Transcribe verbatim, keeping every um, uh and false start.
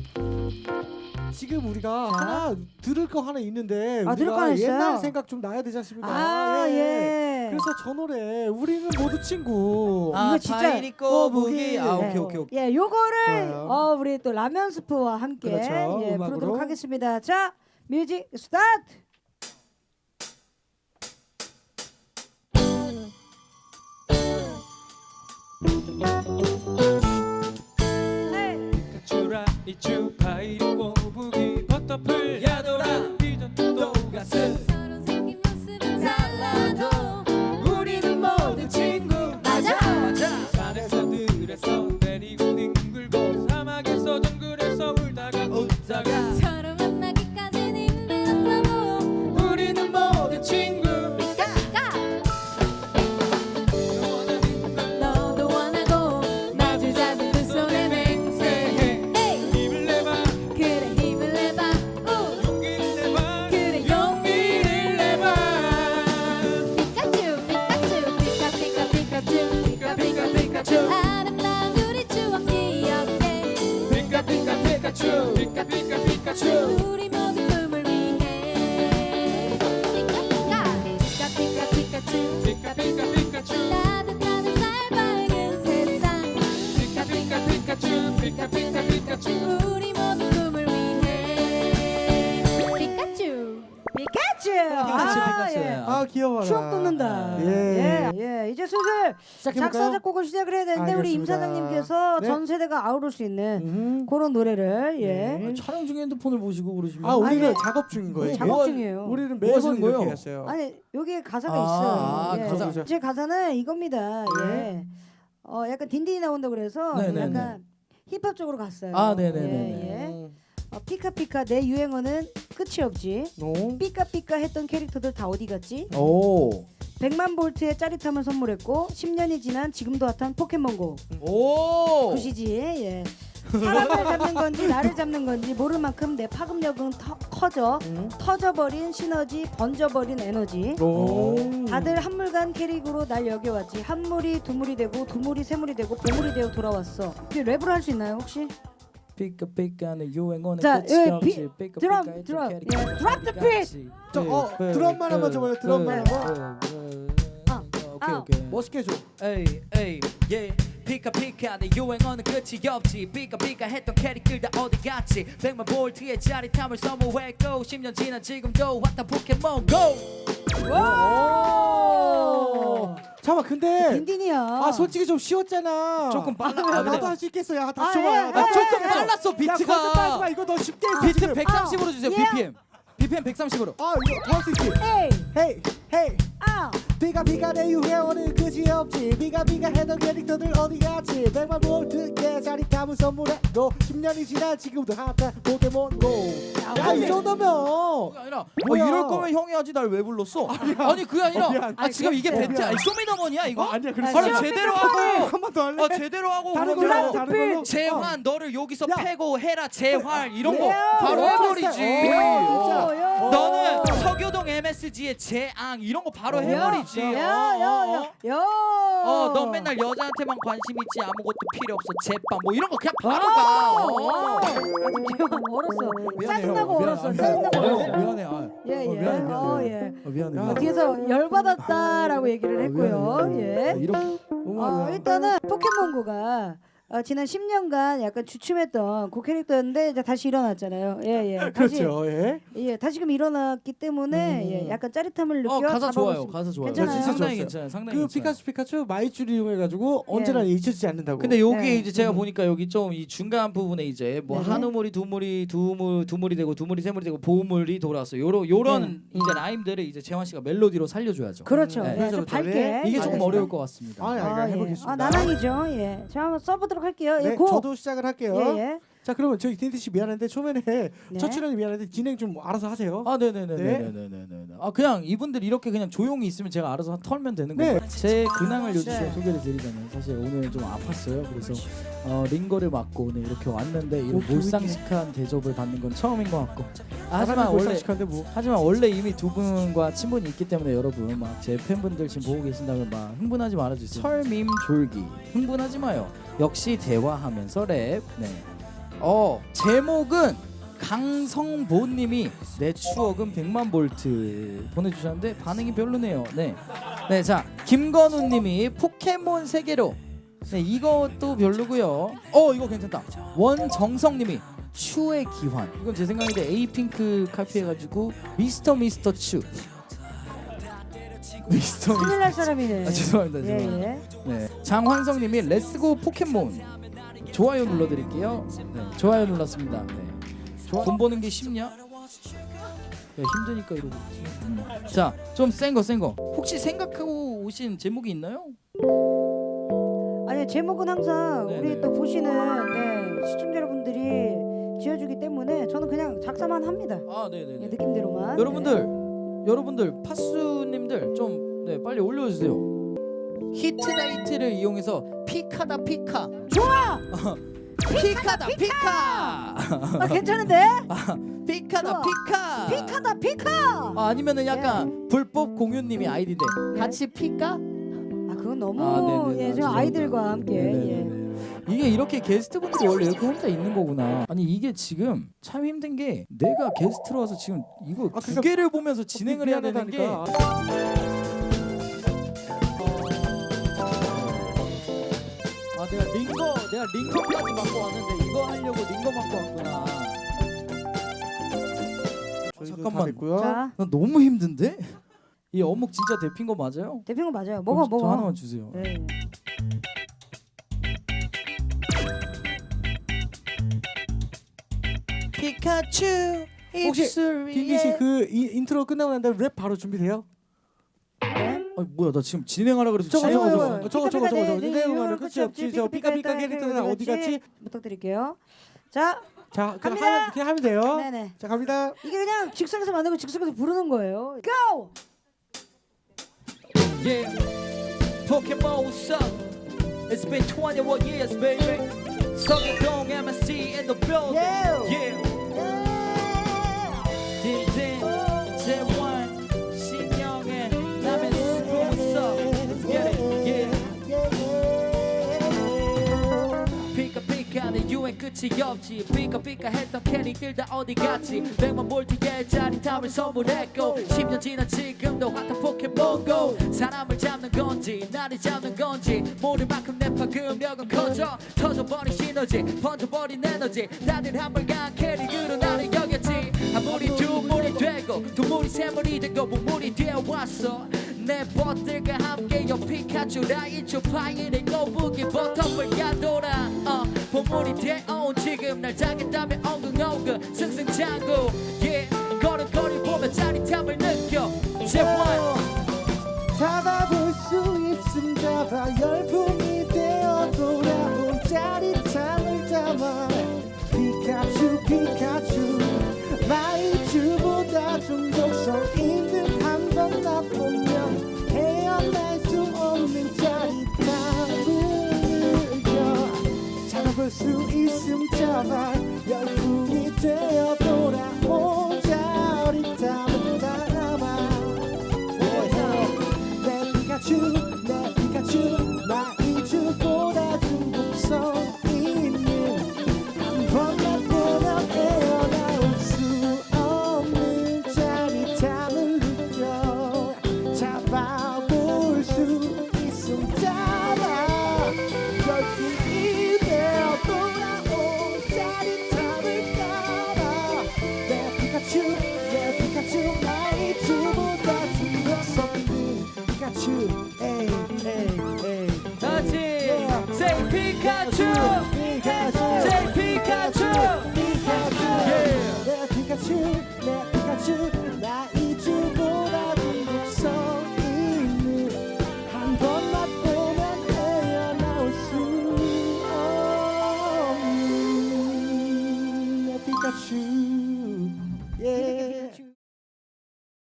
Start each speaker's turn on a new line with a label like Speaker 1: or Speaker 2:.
Speaker 1: 지금 우리가
Speaker 2: 자.
Speaker 1: 하나 들을 거 하나 있는데
Speaker 2: 아, 들을 거
Speaker 1: 우리가
Speaker 2: 하나 있어요?
Speaker 1: 옛날 생각 좀 나야 되지 않습니까?
Speaker 2: 아, 예.
Speaker 1: 그래서 저 노래 우리는 모두 친구.
Speaker 2: 아, 이거 진짜
Speaker 3: 파이리 꼬부기. 아
Speaker 1: 네.
Speaker 3: 오케이 오케이 오케이.
Speaker 2: 예, 요거를
Speaker 1: 좋아요.
Speaker 2: 어, 우리 또 라면 스프와 함께
Speaker 1: 그렇죠,
Speaker 2: 예,
Speaker 1: 음악으로.
Speaker 2: 부르도록 하겠습니다. 자, 뮤직 스타트.
Speaker 4: 주라 이주 파이리 꼬부기 버터풀 야도라 디저트도 가슴
Speaker 5: 서로 생긴 모습은 달라도
Speaker 4: 우리는 모두 친구
Speaker 5: 맞아.
Speaker 4: 맞아 산에서 들에서 내리고 뒹굴고 사막에서 정글에서 울다가 웃다가
Speaker 5: 서로 만나기까진 힘들었어도
Speaker 4: 우리는 모두 친구
Speaker 5: 까까
Speaker 4: 원하는 걸
Speaker 5: 너도 원하고 마주 잡은 두 손에 맹세해 에이
Speaker 4: 힘을 내봐
Speaker 5: 그래 힘을 내봐 우
Speaker 4: 용기를 내봐
Speaker 5: 그래
Speaker 4: 용기를 내봐
Speaker 5: 피카츄 피카츄 피카 피카 피카츄 피카 피카 피카츄 아름다운 우리 추억 기억해
Speaker 4: 피카 피카 피카츄 피카 피카 피카츄
Speaker 5: 우리 모두 꿈을 위해 피카 피카 피카 피카츄
Speaker 4: 피카 피카 피카츄
Speaker 5: 따뜻한 햇살 밝은 세상
Speaker 4: 피카 피카 피카츄 피카 피카 피카츄
Speaker 5: 우리 모두 꿈을 위해 피카츄
Speaker 2: 피카츄.
Speaker 3: 피카츄,
Speaker 2: 아,
Speaker 3: 피카츄.
Speaker 2: 예.
Speaker 1: 아 귀여워라.
Speaker 2: 추억 돋는다.
Speaker 1: 예.
Speaker 2: 예, 예. 이제 슬슬
Speaker 1: 시작해볼까요?
Speaker 2: 작사 작곡을 시작을 해야 되는데 우리 임
Speaker 1: 알겠습니다.
Speaker 2: 사장님께서
Speaker 1: 네.
Speaker 2: 전 세대가 아우를 수 있는
Speaker 1: 음.
Speaker 2: 그런 노래를 예.
Speaker 1: 네.
Speaker 3: 촬영 중에 핸드폰을 보시고 그러시면
Speaker 1: 아 우리는
Speaker 2: 아니,
Speaker 1: 작업 중인 거예요.
Speaker 2: 작업
Speaker 3: 뭐-
Speaker 2: 중이에요.
Speaker 1: 우리는
Speaker 3: 뭐 하시는
Speaker 1: 매번 이렇게
Speaker 3: 거예요?
Speaker 1: 했어요.
Speaker 2: 아니 여기에 가사가
Speaker 3: 아,
Speaker 2: 있어요.
Speaker 3: 아,
Speaker 2: 예.
Speaker 1: 가사.
Speaker 2: 제 가사는 이겁니다. 예.
Speaker 1: 네.
Speaker 2: 어 약간 딘딘이 나온다 그래서
Speaker 3: 네네네.
Speaker 2: 약간 힙합 쪽으로 갔어요.
Speaker 3: 아, 네네네네.
Speaker 2: 예, 예.
Speaker 1: 음.
Speaker 2: 어, 피카피카 내 유행어는 끝이 없지.
Speaker 1: 노.
Speaker 2: 삐까삐까 했던 캐릭터들 다 어디 갔지?
Speaker 3: 오.
Speaker 2: 백만 볼트의 짜릿함을 선물했고 십 년이 지난 지금도 핫한 포켓몬고.
Speaker 3: 오.
Speaker 2: 그 시지에 예. 사람을 잡는 건지 나를 잡는 건지 모를 만큼 내 파급력은 터, 커져
Speaker 1: 음.
Speaker 2: 터져버린 시너지 번져버린 에너지.
Speaker 1: 오.
Speaker 2: 다들 한물간 캐릭으로 날 여겨왔지. 한물이 두물이 되고 두물이 세물이 되고 보물이 되어 돌아왔어. 이게 랩으로 할 수 있나요 혹시?
Speaker 3: 피카피카는 유행어는
Speaker 2: 자,
Speaker 3: 끝이
Speaker 2: 예,
Speaker 3: 없지.
Speaker 2: 비-
Speaker 3: 피카피카
Speaker 2: 드럼,
Speaker 3: 했던
Speaker 2: 드럼.
Speaker 3: 캐릭터
Speaker 2: 예, drop the beat.
Speaker 1: 저, 어, 드럼만 한번 줘봐요, 드럼만
Speaker 2: 한번.
Speaker 3: 아, 오케이
Speaker 2: 아.
Speaker 3: 오케이.
Speaker 1: 멋있게 해줘.
Speaker 3: 에이 에이 예 피카피카 내 유행어는 끝이 없지. 피카피카 했던 캐릭들 다 어디 갔지. 백만 볼트의 짜릿함을 선물했고 십 년 지난 지금도 핫한 포켓몬 고.
Speaker 2: 와!
Speaker 1: 잠깐만 근데
Speaker 2: 딘딘이야.
Speaker 1: 아 솔직히 좀 쉬웠잖아.
Speaker 3: 조금 빨라.
Speaker 1: 아,
Speaker 3: 아,
Speaker 1: 나도
Speaker 3: 근데-
Speaker 1: 할 수 있겠어. 야,
Speaker 2: 아,
Speaker 1: 다시
Speaker 2: 예,
Speaker 1: 줘봐.
Speaker 2: 예,
Speaker 1: 나
Speaker 2: 예,
Speaker 1: 조금
Speaker 2: 예.
Speaker 3: 빨랐어
Speaker 1: 야,
Speaker 3: 비트가.
Speaker 1: 거짓말하지 마. 이거 너 쉽게 했어.
Speaker 3: 비트
Speaker 1: 지금.
Speaker 3: 백삼십으로 주세요.
Speaker 2: 예.
Speaker 3: 비피엠. 비피엠 백삼십으로.
Speaker 1: 아, 이거 더 할 수 있지.
Speaker 2: 에이,
Speaker 1: 헤이, 헤이.
Speaker 2: 아,
Speaker 1: 비가 비가 내 유행어는 끝이 없지. 비가 비가 해던 캐릭터들 어디 갔지. 백만 볼트의 짜릿함을 선물했고 십 년이 지난 지금도 핫한 포켓몬고. 야, 이 정도면
Speaker 3: 그게 아니라 뭐
Speaker 1: 뭐야?
Speaker 3: 이럴 거면 형이 하지 날 왜 불렀어? 아니 그게 아니라
Speaker 1: 어, 미안.
Speaker 3: 아 지금 이게
Speaker 1: 어,
Speaker 3: 배트
Speaker 1: 미안.
Speaker 3: 아니 쇼미더머니야 이거?
Speaker 1: 어, 아니야. 그럴
Speaker 2: 아,
Speaker 1: 수
Speaker 3: 아니
Speaker 1: 있어.
Speaker 3: 제대로 하고
Speaker 1: 한 번 더 할래?
Speaker 3: 아 제대로 하고
Speaker 1: 다른
Speaker 3: 그러면
Speaker 1: 걸로 다른 걸로.
Speaker 3: 재환 너를 여기서
Speaker 1: 야.
Speaker 3: 패고 해라 재활 이런 거
Speaker 2: 예.
Speaker 3: 바로
Speaker 2: 예.
Speaker 3: 해버리지.
Speaker 1: 어, 진짜.
Speaker 2: 어, 야.
Speaker 3: 너는 서교동 엠에스지의 재앙 이런 거 바로 해버리지.
Speaker 2: 야, 야, 야, 야.
Speaker 3: 어, 넌 맨날 여자한테만 관심 있지 아무것도 필요 없어 제빵 뭐 이런 거 그냥 바로 가. 어.
Speaker 2: 기억 얼었어.
Speaker 3: 미안해요.
Speaker 2: 짜증나고
Speaker 3: 미안-
Speaker 2: 얼었어.
Speaker 3: 아,
Speaker 2: 짜증나고
Speaker 3: 미안해.
Speaker 2: 얼었어.
Speaker 3: 미안해. 아,
Speaker 2: 예,
Speaker 3: 어,
Speaker 2: 예.
Speaker 3: 미안해, 미안해.
Speaker 2: 어, 예.
Speaker 3: 어, 미안해.
Speaker 1: 야.
Speaker 3: 미안해.
Speaker 2: 뒤에서 열받았다라고 얘기를 했고요.
Speaker 3: 미안해, 미안해.
Speaker 2: 예.
Speaker 3: 아, 이렇게
Speaker 2: 어, 일단은 포켓몬고가 어, 지난 십 년간 약간 주춤했던 그 캐릭터였는데 이제 다시 일어났잖아요. 예, 예. 다시
Speaker 1: 그렇죠. 예.
Speaker 2: 예, 다시금 일어났기 때문에
Speaker 1: 음.
Speaker 2: 예, 약간 짜릿함을 느껴
Speaker 3: 어 가사 좋아요.
Speaker 2: 잡아볼 수-
Speaker 3: 가사 좋아요.
Speaker 2: 괜찮아요?
Speaker 3: 상당히
Speaker 1: 좋았어요.
Speaker 3: 괜찮아요. 상당히
Speaker 1: 그
Speaker 3: 괜찮아요.
Speaker 1: 피카츄 피카츄 마이쮸를 이용해가지고
Speaker 2: 예.
Speaker 1: 언제나 잊혀지지 않는다고.
Speaker 3: 근데 여기
Speaker 2: 네.
Speaker 3: 이제 제가 보니까 여기 좀 이 중간 부분에 이제 뭐
Speaker 2: 네네.
Speaker 3: 한우물이 두물이 두물 두물이 되고 두물이 세물이 되고 보물이 돌아왔어. 요런 요런
Speaker 2: 네.
Speaker 3: 이제 라임들을 이제 재환 씨가 멜로디로 살려줘야죠.
Speaker 2: 그렇죠.
Speaker 3: 네.
Speaker 2: 예,
Speaker 1: 그렇죠,
Speaker 2: 좀
Speaker 1: 그렇죠.
Speaker 2: 밝게.
Speaker 1: 네.
Speaker 3: 이게 조금
Speaker 2: 알겠습니다.
Speaker 3: 어려울 것 같습니다.
Speaker 1: 아, 아,
Speaker 2: 아, 예.
Speaker 1: 해보겠습니다.
Speaker 2: 아, 나랑이죠. 예. 자, 한번 써보도록 할게요. 예,
Speaker 1: 네,
Speaker 2: 고.
Speaker 1: 저도 시작을 할게요.
Speaker 2: 예, 예.
Speaker 1: 자, 그러면 저희 딘디 씨 미안한데 초면에
Speaker 2: 네.
Speaker 1: 첫 출연이 미안한데 진행 좀 알아서 하세요.
Speaker 3: 아, 네네네네네네네. 아 그냥 이분들 이렇게 그냥 조용히 있으면 제가 알아서 털면 되는
Speaker 1: 네.
Speaker 3: 거예요. 제 근황을 요즘
Speaker 2: 네.
Speaker 3: 좀 소개를 드리자면 사실 오늘 좀 아팠어요. 그래서 어, 링거를 맞고 오늘 이렇게 왔는데 이런
Speaker 1: 오,
Speaker 3: 몰상식한 대접을 받는 건 처음인 것 같고. 아, 하지만
Speaker 1: 사람이
Speaker 3: 원래
Speaker 1: 몰상식한데 뭐.
Speaker 3: 하지만 원래 이미 두 분과 친분이 있기 때문에 여러분 막 제 팬분들 지금 보고 계신다면 막 흥분하지 말아주세요. 설밈 졸기 흥분하지 마요. 역시 대화하면서 랩. 네. 어 제목은 강성보님이 내 추억은 백만 볼트 보내주셨는데 반응이 별로네요. 네, 네, 자 김건우님이 포켓몬 세계로. 네, 이것도 별로고요. 어 이거 괜찮다. 원정성님이 추의 기환. 이건 제 생각인데 에이핑크 카피해가지고 미스터 미스터 추. 미스터
Speaker 2: 큰일 날 사람이네.
Speaker 3: 아 죄송합니다.
Speaker 2: 예,
Speaker 3: 죄송합니다.
Speaker 2: 예.
Speaker 3: 네, 장환성님이 렛츠고 포켓몬. 좋아요 눌러드릴게요. 네, 좋아요 눌렀습니다. 네. 좋아. 돈 버는 게 쉽냐? 야, 힘드니까 이러고. 음. 자, 좀 센 거, 센 거. 혹시 생각하고 오신 제목이 있나요?
Speaker 2: 아니 제목은 항상
Speaker 3: 네,
Speaker 2: 우리
Speaker 3: 네.
Speaker 2: 또 보시는 네, 시청자 여러분들이 지어주기 때문에 저는 그냥 작사만 합니다.
Speaker 3: 아, 네,
Speaker 2: 네,
Speaker 3: 네.
Speaker 2: 느낌대로만.
Speaker 3: 여러분들, 여러분들 파수님들 좀 네, 빨리 올려주세요. 히트데이트를 이용해서 피카다 피카.
Speaker 2: 좋아.
Speaker 3: 피카다 피카.
Speaker 2: 아 괜찮은데?
Speaker 3: 아, 피카다
Speaker 2: 좋아.
Speaker 3: 피카.
Speaker 2: 피카다 피카.
Speaker 3: 아, 아니면은 약간 불법 공유님이 아이디인데
Speaker 2: 네.
Speaker 3: 같이 피까?
Speaker 2: 아 그건 너무
Speaker 3: 아, 네네네.
Speaker 2: 예, 저
Speaker 3: 죄송합니다.
Speaker 2: 아이들과 함께 예.
Speaker 3: 네네네. 이게 이렇게 게스트분들이 원래 이렇게 혼자 있는 거구나. 아니 이게 지금 참 힘든 게 내가 게스트로 와서 지금 이거
Speaker 1: 아,
Speaker 3: 두
Speaker 1: 그러니까
Speaker 3: 개를 보면서 진행을 해야 되는 게
Speaker 1: 미안하다니까.
Speaker 3: 아 내가 링거 내가 링거까지 맡고 왔는데 이거 하려고 링거 맡고 왔구나.
Speaker 1: 저희도 다
Speaker 3: 잠깐만.
Speaker 1: 됐고요.
Speaker 2: 자
Speaker 3: 나 너무 힘든데? 이 어묵 진짜 데핀 거 맞아요?
Speaker 2: 대표는 맞아요. 먹어
Speaker 3: 그럼 저
Speaker 2: 먹어.
Speaker 3: 하나만 주세요.
Speaker 2: 네.
Speaker 3: 피카츄
Speaker 1: 혹시
Speaker 3: 입술 위에.
Speaker 1: 딘디 씨그 인트로 끝나고 난 다음에 랩 바로 준비돼요?
Speaker 2: 네.
Speaker 3: 아니 뭐야 나 지금 진행하라 그래서
Speaker 1: 저거
Speaker 2: 아이고,
Speaker 1: 저거
Speaker 3: 진행하고
Speaker 1: 저거
Speaker 2: 아이고.
Speaker 1: 저거 저거 저거 저거
Speaker 2: 네,
Speaker 1: 내
Speaker 2: 네,
Speaker 1: 영화는
Speaker 2: 끝이
Speaker 1: 끝이 없지. 저 피카피카 캐릭터는 어디 갔지?
Speaker 2: 부탁드릴게요. 자,
Speaker 1: 자 그냥
Speaker 2: 갑니다.
Speaker 1: 하면 그냥 하면 돼요.
Speaker 2: 네네.
Speaker 1: 자 갑니다.
Speaker 2: 이게 그냥 즉석에서 만들고 즉석에서 부르는 거예요. Go!
Speaker 3: Yeah, Pokemon, what's up? It's been twenty-one years, baby. 성동 M S C in the building.
Speaker 2: Yeah.
Speaker 3: Yeah. 딘딘, 재환, 신영의 남의 스포, what's up? Let's get it, yeah. 피카 피카는 유행 끝이 없지. 피카 피카 했던 캐릭들 다 어디 갔지. 백만 볼트의 짜릿함을 선물했고 십 년 지난 지금도 핫한 포켓몬고. 사람을 잡는 건지 나를 잡는 건지 모를 만큼 내 파급력은 커져. 터져버린 시너지 번져버린 에너지. 다들 한물간 캐릭으로 나를 여겼지. 한 물이 두 물이 되고 두 물이 세 물이 되고 무물이 되어왔어. 내 버들과 함께요 피카츄라 이초 파이의 거북이 버터블 야도라. 어, 보물이 되어온 지금 날 잡겠다며 엉근엉근 승승장구. yeah. 걸음걸이 보며 짜릿함을 느껴. 재환
Speaker 1: 잡아볼 수 있음 잡아 열풍이 되어 돌아온 짜릿함을 담아. 피카츄 피카츄 마이쮸보다 중독성 있는 한번 맛보면 헤어날 수 없는 짜릿함을 느껴. 잡아볼 수 있음 잡아 열풍이 되어 돌아온 짜릿함을 담아. 내 피카츄 내 피카츄 마이쮸보다 중독성 있는 한번 맛보면 헤어나올 수 없는 짜릿함을 느껴. 잡아볼 수 있음 잡아 열풍이 되어 돌아온 짜릿함을 따라. 내 피카츄 내 피카츄 마이쮸보다 중독성 있는 피카츄. 에이 에이 에이
Speaker 3: 같이
Speaker 1: Yeah.
Speaker 3: Say 피카츄
Speaker 1: 피카츄
Speaker 3: Say 피카츄
Speaker 1: 피카츄
Speaker 3: Yeah.
Speaker 1: 내 피카츄 내 피카츄